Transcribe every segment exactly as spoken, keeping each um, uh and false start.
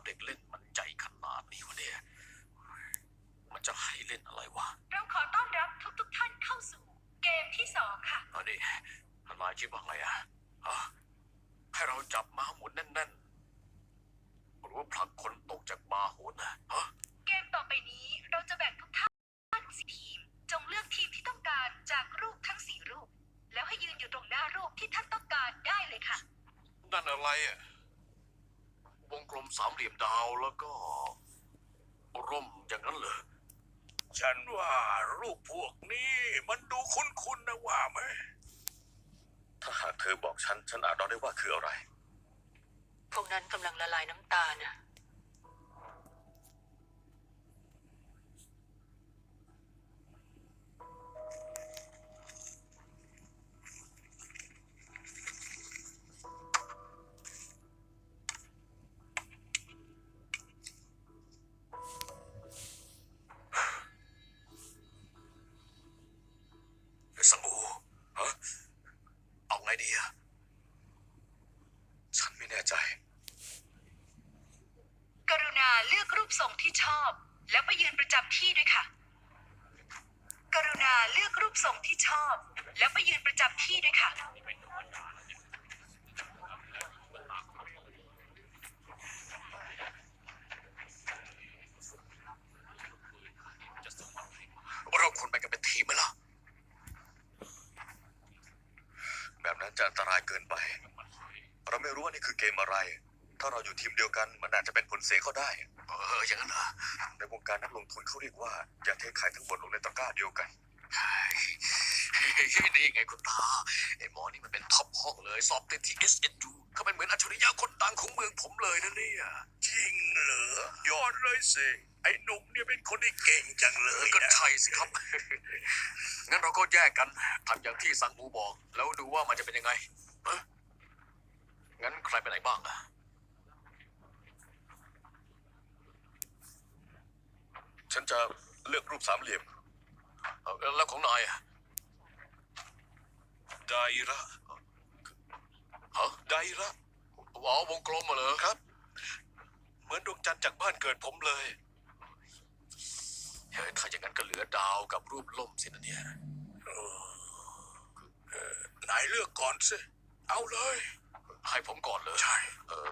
เด็กเล่นมันใจขนาดนี้วะเนี่ยมันจะให้เล่นอะไรวะเราขอต้อนรับทุกทุกท่านเข้าสู่เกมที่สองค่ะอันนี้นายคิดว่าไงอะให้เราจับม้าหมุนแน่นๆหรือว่าผลักคนตกจากม้าโหนนะฮะเกมต่อไปนี้เราจะแบ่งทุกท่านสี่ทีมจงเลือกทีมที่ต้องการจากรูปทั้งสี่รูปแล้วให้ยืนอยู่ตรงหน้ารูปที่ท่านต้องการได้เลยค่ะนั่นอะไรอะวงกลมสามเหลี่ยมดาวแล้วก็ร่มอย่างนั้นเหรอฉันว่ารูปพวกนี้มันดูคุ้นๆนะว่าไหมถ้าหากเธอบอกฉันฉันอาจเดาได้ว่าคืออะไรพวกนั้นกำลังละลายน้ำตานะสังอูฮะเอาไงดีอะฉันไม่แน่ใจกรุณาเลือกรูปทรงที่ชอบแล้วไปยืนประจำที่ด้วยค่ะกรุณาเลือกรูปทรงที่ชอบแล้วไปยืนประจำที่ด้วยค่ะเราควรไปกันเป็นทีมไหมล่ะแบบนั้นจะอันตรายเกินไปเราไม่รู้ว่านี่คือเกมอะไรถ้าเราอยู่ทีมเดียวกันมันอาจจะเป็นผลเสียก็ได้เอออย่างนั้นเหรอในวงการนักลงทุนเขาเรียกว่าอย่าเทขายทั้งหมดลงในตะกร้าเดียวกันนี่ไงคุณตาไอ้หมอนี่มันเป็นท็อปห้องเลยสอบติดที่ เอส เอ็น ยู เขาเป็นเหมือนอัจฉริยะคนดังของเมืองผมเลยนะเนี่ยจริงเหรอยอดเลยสิไอ้หนุ่มเนี่ยเป็นคนที่เก่งจังเลยก็ใช่สิครับงั้นเราก็แยกกันทำอย่างที่สังอูบอกแล้วดูว่ามันจะเป็นยังไงเอ้งั้นใครไปไหนบ้างอะฉันจะเลือกรูปสามเหลี่ยมแล้วของนายอะไดระฮะไดระว้าววงกลมมาเลยครับเหมือนดวงจันทร์จากบ้านเกิดผมเลยเฮ้ยถ้าอย่างนั้นก็เหลือดาวกับรูปล่มสินะเนี่ยนายเลือกก่อนสิเอาเลยให้ผมก่อนเลยใช่เออ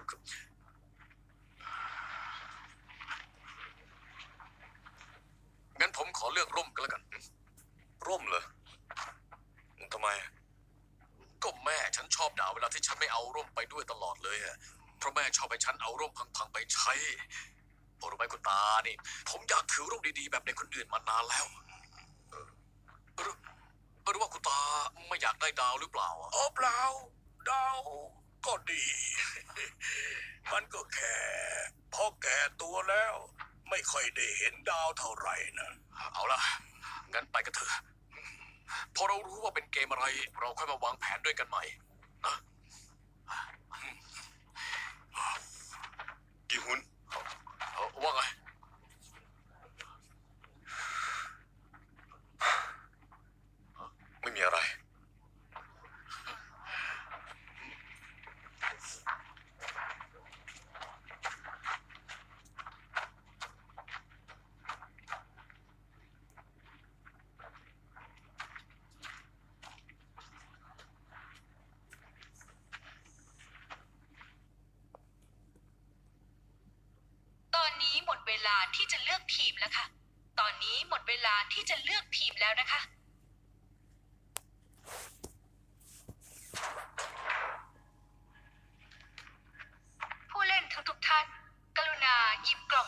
งั้นผมขอเลือกร่มก็แล้วกันร่มเหรอทำไมก็แม่ฉันชอบด่าเวลาที่ฉันไม่เอาร่มไปด้วยตลอดเลยอะเพราะแม่ชอบให้ฉันเอาร่มพังๆไปใช้พอรู้ไหมคุณตานี่ผมอยากถือร่มดีๆแบบในคนอื่นมานานแล้วหรือหรือว่าคุณตาไม่อยากได้ดาวหรือเปล่าอ๋อเปล่าดาวก็ดี มันก็แค่พอแก่ตัวแล้วไม่ค่อยได้เห็นดาวเท่าไหร่นะเอาล่ะงั้นไปกันเถอะพอเรารู้ว่าเป็นเกมอะไรเราค่อยมาวางแผนด้วยกันใหม่นะกีฮุนว่าไงไม่มีอะไรตอนนี้หมดเวลาที่จะเลือกทีมแล้วค่ะตอนนี้หมดเวลาที่จะเลือกทีมแล้วนะคะผู้เล่นทุกๆท่านกรุณาหยิบกล่อง